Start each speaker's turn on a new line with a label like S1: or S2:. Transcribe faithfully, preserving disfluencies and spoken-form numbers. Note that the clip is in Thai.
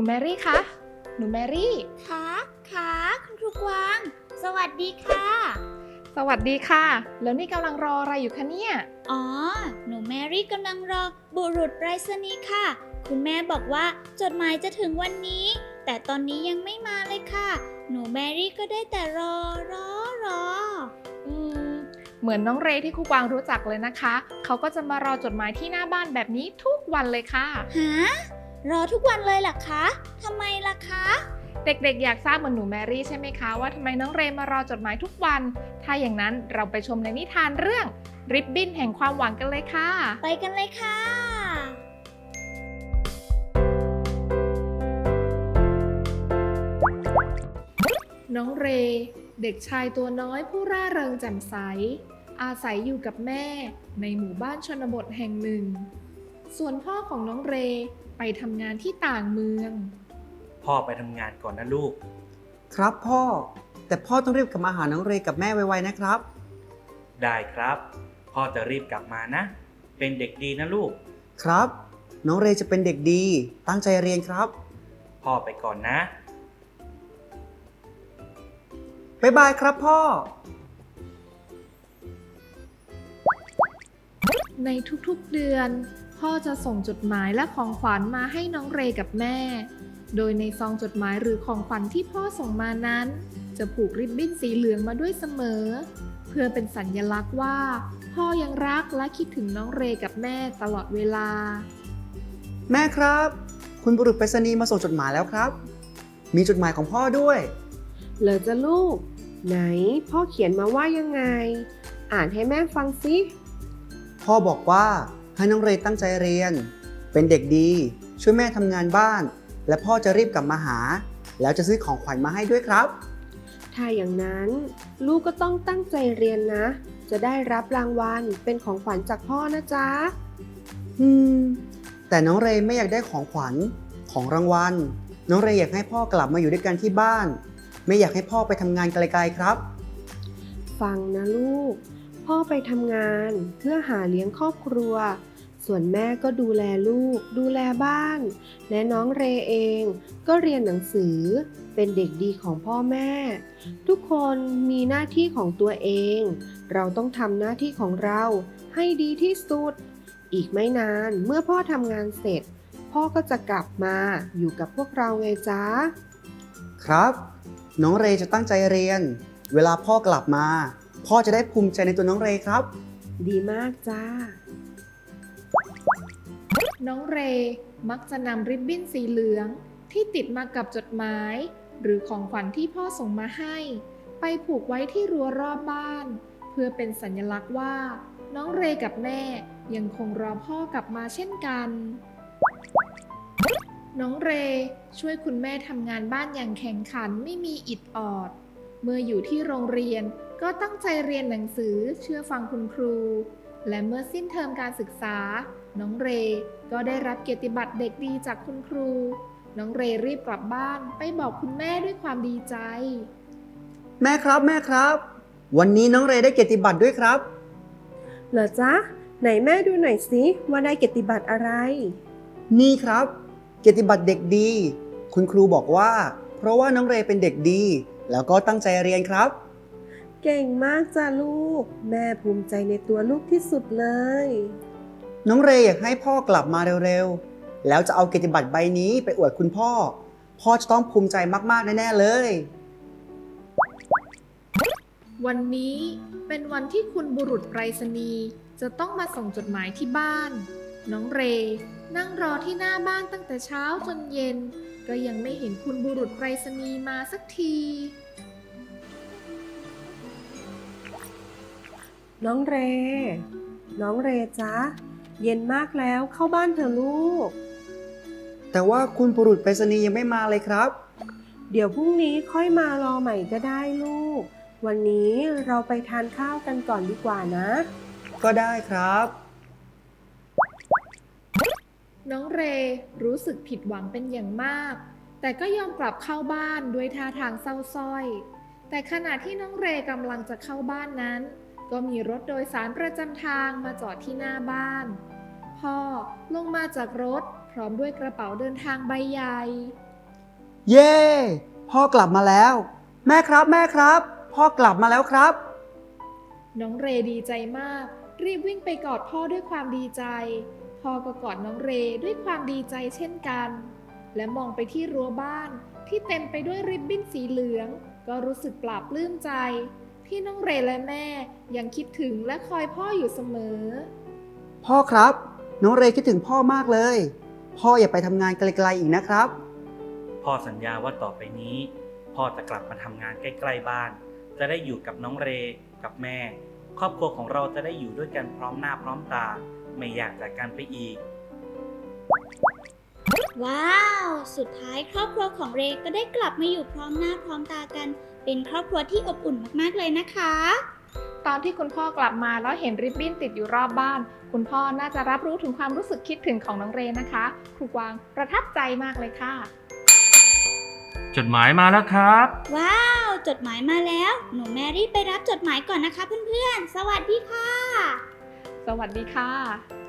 S1: แมรี่คะหนูแมรี่
S2: ค่ะค่ะคุณครูกวางสวัสดีค่ะ
S1: สวัสดีค่ะแล้วนี่กำลังรออะไรอยู่คะเนี่ย
S2: อ๋อ หนูแมรี่กำลังรอบุรุษไปรษณีย์ค่ะ คุณแม่บอกว่าจดหมายจะถึงวันนี้ แต่ตอนนี้ยังไม่มาเลยค่ะ หนูแมรี่ก็ได้แต่รอรอรอ
S1: อืมเหมือนน้องเรย์ที่ครูกวางรู้จักเลยนะคะเขาก็จะมารอจดหมายที่หน้าบ้านแบบนี้ทุกวันเลยค่ะ
S2: ฮะ รอทุกวันเลยล่ะคะทำไมล่ะคะ
S1: เด็กๆอยากทราบเหมือนหนูแมรี่ใช่ไหมคะว่าทำไมน้องเรย์มารอจดหมายทุกวันถ้าอย่างนั้นเราไปชมในนิทานเรื่องริบบิ้นแห่งความหวังกันเลยค่ะ
S2: ไปกันเลยค่ะ
S1: น้องเรย์เด็กชายตัวน้อยผู้ร่าเริงแจ่มใสอาศัยอยู่กับแม่ในหมู่บ้านชนบทแห่งหนึ่งส่วนพ่อของน้องเรย์ไปทำงานที่ต่างเมือง
S3: พ่อไปทำงานก่อนนะลูก
S4: ครับพ่อแต่พ่อต้องรีบกลับมาหาน้องเรย์กับแม่ไวๆนะครับ
S3: ได้ครับพ่อจะรีบกลับมานะ เป็นเด็กดีนะลูก
S4: ครับน้องเรย์จะเป็นเด็กดีตั้งใจเรียนครับ
S3: พ่อไปก่อนนะ
S4: บ๊ายบายครับพ่อ
S1: ในทุกๆเดือนพ่อจะส่งจดหมายและของขวัญมาให้น้องเรย์กับแม่โดยในซองจดหมายหรือของขวัญที่พ่อส่งมานั้นจะผูกริบบิ้นสีเหลืองมาด้วยเสมอเพื่อเป็นสัญลักษณ์ว่าพ่อยังรักและคิดถึงน้องเรย์กับแม่ตลอดเวลา
S4: แม่ครับคุณบุรุษไปรษณีย์มาส่งจดหมายแล้วครับมีจดหมายของพ่อด้วย
S5: เหรอจ๊ะลูกไหนพ่อเขียนมาว่ายังไงอ่านให้แม่ฟังสิ
S4: พ่อบอกว่าให้น้องเรย์ตั้งใจเรียนเป็นเด็กดีช่วยแม่ทำงานบ้านและพ่อจะรีบกลับมาหาแล้วจะซื้อของขวัญมาให้ด้วยครับ
S5: ถ้าอย่างนั้นลูกก็ต้องตั้งใจเรียนนะจะได้รับรางวัลเป็นของขวัญจากพ่อนะจ๊ะ
S4: อืมแต่น้องเรย์ไม่อยากได้ของขวัญของรางวัลน้องเรย์อยากให้พ่อกลับมาอยู่ด้วยกันที่บ้านไม่อยากให้พ่อไปทำงานไกลๆครับ
S5: ฟังนะลูกพ่อไปทำงานเพื่อหาเลี้ยงครอบครัวส่วนแม่ก็ดูแลลูกดูแลบ้านและน้องเรย์เองก็เรียนหนังสือเป็นเด็กดีของพ่อแม่ทุกคนมีหน้าที่ของตัวเองเราต้องทำหน้าที่ของเราให้ดีที่สุดอีกไม่นานเมื่อพ่อทำงานเสร็จพ่อก็จะกลับมาอยู่กับพวกเราไงจ๊ะ
S4: ครับน้องเรย์จะตั้งใจเรียนเวลาพ่อกลับมาพ่อจะได้ภูมิใจในตัวน้องเรย์ครับ
S5: ดีมากจ้า
S1: น้องเรย์มักจะนำริบบิ้นสีเหลืองที่ติดมากับจดหมายหรือของขวัญที่พ่อส่งมาให้ไปผูกไว้ที่รั้วรอบบ้านเพื่อเป็นสัญลักษณ์ว่าน้องเรย์กับแม่ยังคงรอพ่อกลับมาเช่นกันน้องเรย์ช่วยคุณแม่ทำงานบ้านอย่างแข่งขันไม่มีอิดออดเมื่ออยู่ที่โรงเรียนก็ตั้งใจเรียนหนังสือเชื่อฟังคุณครูและเมื่อสิ้นเทอมการศึกษาน้องเรย์ก็ได้รับเกียรติบัตรเด็กดีจากคุณครูน้องเรย์รีบกลับบ้านไปบอกคุณแม่ด้วยความดีใจ
S4: แม่ครับแม่ครับวันนี้น้องเรย์ได้เกียรติบัตรด้วยครับ
S5: เหรอจ๊ะไหนแม่ดูหน่อยสิว่าได้เกียรติบัตรอะไร
S4: นี่ครับเกียรติบัตรเด็กดีคุณครูบอกว่าเพราะว่าน้องเรย์เป็นเด็กดีแล้วก็ตั้งใจเรียนครับ
S5: เก่งมากจ้ะลูกแม่ภูมิใจในตัวลูกที่สุดเลย
S4: น้องเรย์อยากให้พ่อกลับมาเร็วๆแล้วจะเอาเกียรติบัตรใบนี้ไปอวดคุณพ่อพ่อจะต้องภูมิใจมากๆแน่ๆเลย
S1: วันนี้เป็นวันที่คุณบุรุษไปรษณีย์จะต้องมาส่งจดหมายที่บ้านน้องเรย์นั่งรอที่หน้าบ้านตั้งแต่เช้าจนเย็นก็ยังไม่เห็นคุณบุรุษไปรษณีย์มาสักที
S5: น้องเรน้องเรจ๊ะเย็นมากแล้วเข้าบ้านเถอะลูก
S4: แต่ว่าคุณบุรุษไปรษณีย์ยังไม่มาเลยครับ
S5: เดี๋ยวพรุ่งนี้ค่อยมารอใหม่ก็ได้ลูกวันนี้เราไปทานข้าวกันก่อนดีกว่านะ
S4: ก็ได้ครับ
S1: น้องเรรู้สึกผิดหวังเป็นอย่างมากแต่ก็ยอมกลับเข้าบ้านด้วยท่าทางเศร้าส้อยแต่ขณะที่น้องเรกำลังจะเข้าบ้านนั้นก็มีรถโดยสารประจำทางมาจอดที่หน้าบ้านพ่อลงมาจากรถพร้อมด้วยกระเป๋าเดินทางใบใหญ่
S4: เย้ พ่อกลับมาแล้ว แม่ครับแม่ครับ พ่อกลับมาแล้วครับ
S1: น้องเรดีใจมาก รีบวิ่งไปกอดพ่อด้วยความดีใจ พ่อก็กอดน้องเรด้วยความดีใจเช่นกัน และมองไปที่รั้วบ้านที่เต็มไปด้วยริบบิ้นสีเหลือง ก็รู้สึกปลาบปลื้มใจ ที่น้องเรและแม่ยังคิดถึงและคอยพ่ออยู่เสมอ
S4: พ่อครับ น้องเรคิดถึงพ่อมากเลย พ่ออย่าไปทำงานไกลๆอีกนะครับ
S3: พ่อสัญญาว่าต่อไปนี้ พ่อจะกลับมาทำงานใกล้ๆบ้าน จะได้อยู่กับน้องเรกับแม่ ครอบครัวของเราจะได้อยู่ด้วยกันพร้อมหน้าพร้อมตา ไม่อยากจากกันไปอีก
S2: ว้าว สุดท้ายครอบครัวของเรก็ได้กลับมาอยู่พร้อมหน้าพร้อมตากัน เป็นครอบครัวที่อบอุ่นมากๆเลยนะคะ
S1: ตอนที่คุณพ่อกลับมาแล้วเห็นริบบิ้นติดอยู่รอบบ้าน คุณพ่อน่าจะรับรู้ถึงความรู้สึกคิดถึงของน้องเรนะคะครูกวางประทับใจมากเลยค่ะ
S3: จดหมายมาแล้วครับ
S2: ว้าว จดหมายมาแล้ว หนูแมรี่ไปรับจดหมายก่อนนะคะเพื่อนๆ สวัสดีค่ะ
S1: สวัสดีค่ะ